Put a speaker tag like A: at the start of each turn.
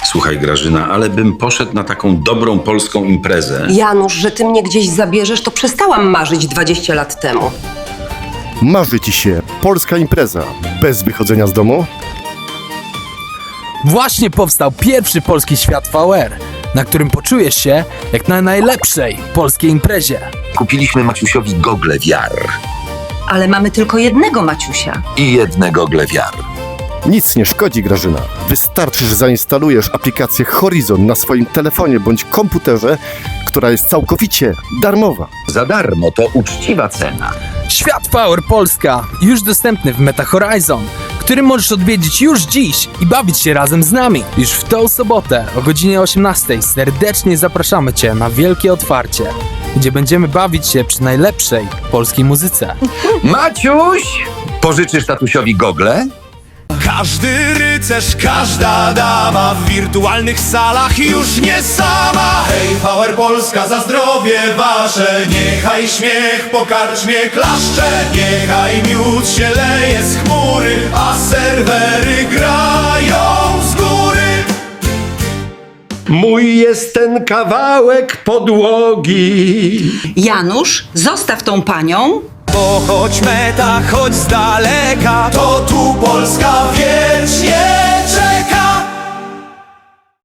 A: Słuchaj, Grażyna, ale bym poszedł na taką dobrą polską imprezę.
B: Janusz, że ty mnie gdzieś zabierzesz, to przestałam marzyć 20 lat temu.
C: Marzy ci się polska impreza bez wychodzenia z domu?
D: Właśnie powstał pierwszy polski świat VR, na którym poczujesz się jak na najlepszej polskiej imprezie.
E: Kupiliśmy Maciusiowi gogle VR
F: Ale mamy tylko jednego Maciusia.
E: i jedne gogle VR.
C: Nic nie szkodzi, Grażyna. Wystarczy, że zainstalujesz aplikację Horizon na swoim telefonie bądź komputerze, która jest całkowicie darmowa.
E: Za darmo, to uczciwa cena.
D: Świat VR Polska już dostępny w Meta Horizon, który możesz odwiedzić już dziś i bawić się razem z nami. Już w tę sobotę o godzinie 18 serdecznie zapraszamy Cię na wielkie otwarcie, gdzie będziemy bawić się przy najlepszej polskiej muzyce.
E: Maciuś, pożyczysz tatusiowi gogle?
G: Każdy rycerz, każda dama w wirtualnych salach już nie sama. Hej, Power Polska, za zdrowie wasze. Niechaj śmiech po karczmie klaszcze. Niechaj miód się leje z chmury, a serwery grają z góry.
H: Mój jest ten kawałek podłogi.
F: Janusz, zostaw tą panią.
G: Bo choć meta, choć z daleka, to tu Polska wiecznie